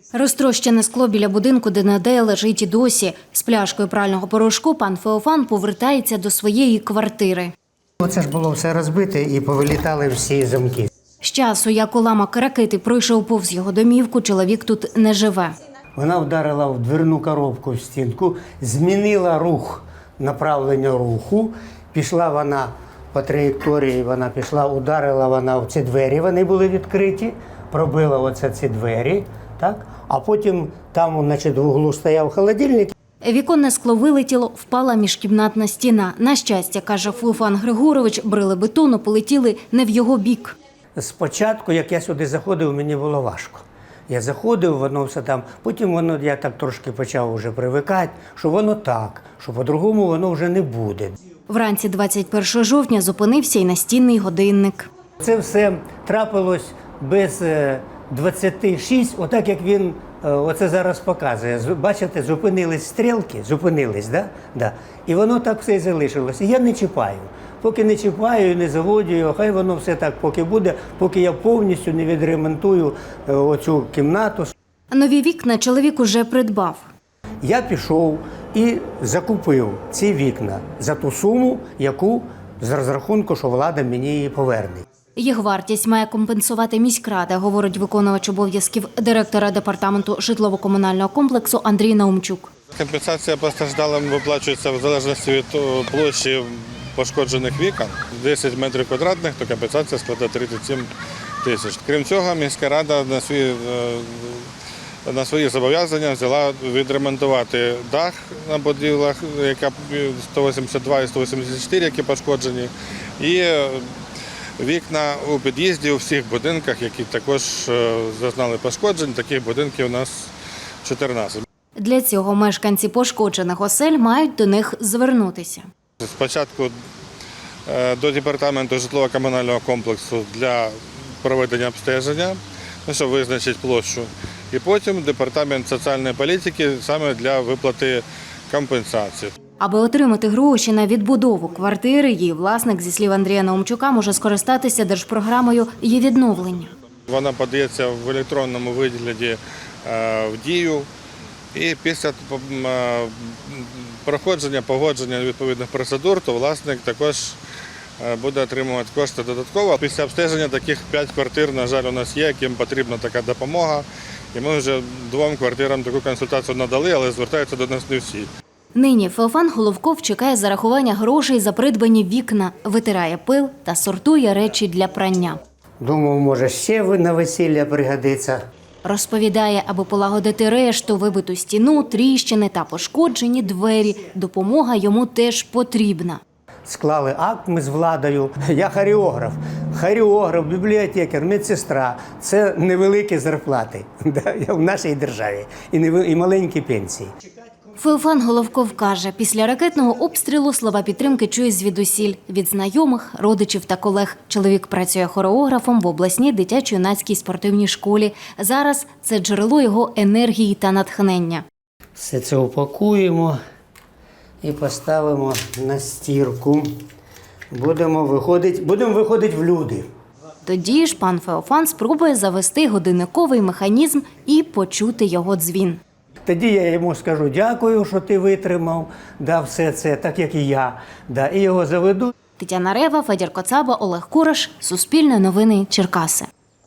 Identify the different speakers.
Speaker 1: Розтрощене скло біля будинку, де Надея лежить і досі. З пляшкою прального порошку пан Феофан повертається до своєї квартири.
Speaker 2: Оце ж було все розбите і повилітали всі замки.
Speaker 1: З часу, як уламок ракети пройшов повз його домівку, чоловік тут не живе.
Speaker 2: Вона вдарила в дверну коробку в стінку, змінила рух, направлення руху. Пішла вона по траєкторії, вона пішла, ударила вона в ці двері, вони були відкриті, пробила оце ці двері, так? А потім там, значить, в углу стояв холодильник.
Speaker 1: Віконне скло вилетіло, впала міжкімнатна стіна. На щастя, каже Феофан Григорович, брили бетону полетіли не в його бік.
Speaker 2: Спочатку, як я сюди заходив, мені було важко. Я заходив, воно все там, потім воно, я так трошки почав вже привикати, що воно так, що по-другому воно вже не буде.
Speaker 1: Вранці 21 жовтня зупинився і настінний годинник.
Speaker 2: Це все трапилось без 26, отак як він оце зараз показує. Бачите, зупинились стрілки, зупинились, да? Да. І воно так все і залишилось. І я не чіпаю. Поки не чіпаю і не заводю, хай воно все так поки буде, поки я повністю не відремонтую оцю кімнату.
Speaker 1: Нові вікна чоловік уже придбав.
Speaker 2: Я пішов і закупив ці вікна за ту суму, яку з розрахунку, що влада мені її поверне.
Speaker 1: Їх вартість має компенсувати міськрада, говорить виконувач обов'язків директора департаменту житлово-комунального комплексу Андрій Наумчук.
Speaker 3: Компенсація постраждалим виплачується в залежності від площі пошкоджених вікон. 10 метрів квадратних, то компенсація складає 37 тисяч. Крім цього, міська рада на свої зобов'язання взяла відремонтувати дах на будівлях, яка 182 і 184, які пошкоджені, і вікна у під'їзді у всіх будинках, які також зазнали пошкоджень. Таких будинків у нас 14.
Speaker 1: Для цього мешканці пошкоджених осель мають до них звернутися.
Speaker 3: Спочатку до департаменту житлово-комунального комплексу для проведення обстеження, щоб визначити площу. І потім департамент соціальної політики саме для виплати компенсації.
Speaker 1: Аби отримати гроші на відбудову квартири, її власник, зі слів Андрія Наумчука, може скористатися держпрограмою «Її відновлення».
Speaker 3: Вона подається в електронному вигляді в Дію. І після проходження, погодження відповідних процедур, то власник також буде отримувати кошти додатково. Після обстеження таких 5 квартир, на жаль, у нас є, яким потрібна така допомога. І ми вже 2 квартирам таку консультацію надали, але звертаються до нас не всі.
Speaker 1: Нині Феофан Головков чекає зарахування грошей за придбані вікна, витирає пил та сортує речі для прання.
Speaker 2: Думав, може ще на весілля пригодиться.
Speaker 1: Розповідає, аби полагодити решту, вибиту стіну, тріщини та пошкоджені двері, допомога йому теж потрібна.
Speaker 2: Склали акт ми з владою. Я хореограф, бібліотекар, медсестра. Це невеликі зарплати в нашій державі і маленькі пенсії.
Speaker 1: Феофан Головков каже, після ракетного обстрілу слова підтримки чує звідусіль – від знайомих, родичів та колег. Чоловік працює хореографом в обласній дитячо-юнацькій спортивній школі. Зараз це джерело його енергії та натхнення.
Speaker 2: Все це упакуємо і поставимо на стірку. Будемо виходити в люди.
Speaker 1: Тоді ж пан Феофан спробує завести годинниковий механізм і почути його дзвін.
Speaker 2: Тоді я йому скажу дякую, що ти витримав, все це, так як і я, і його заведу.
Speaker 1: Тетяна Рева, Федір Коцаба, Олег Кураш, Суспільне новини, Черкаси.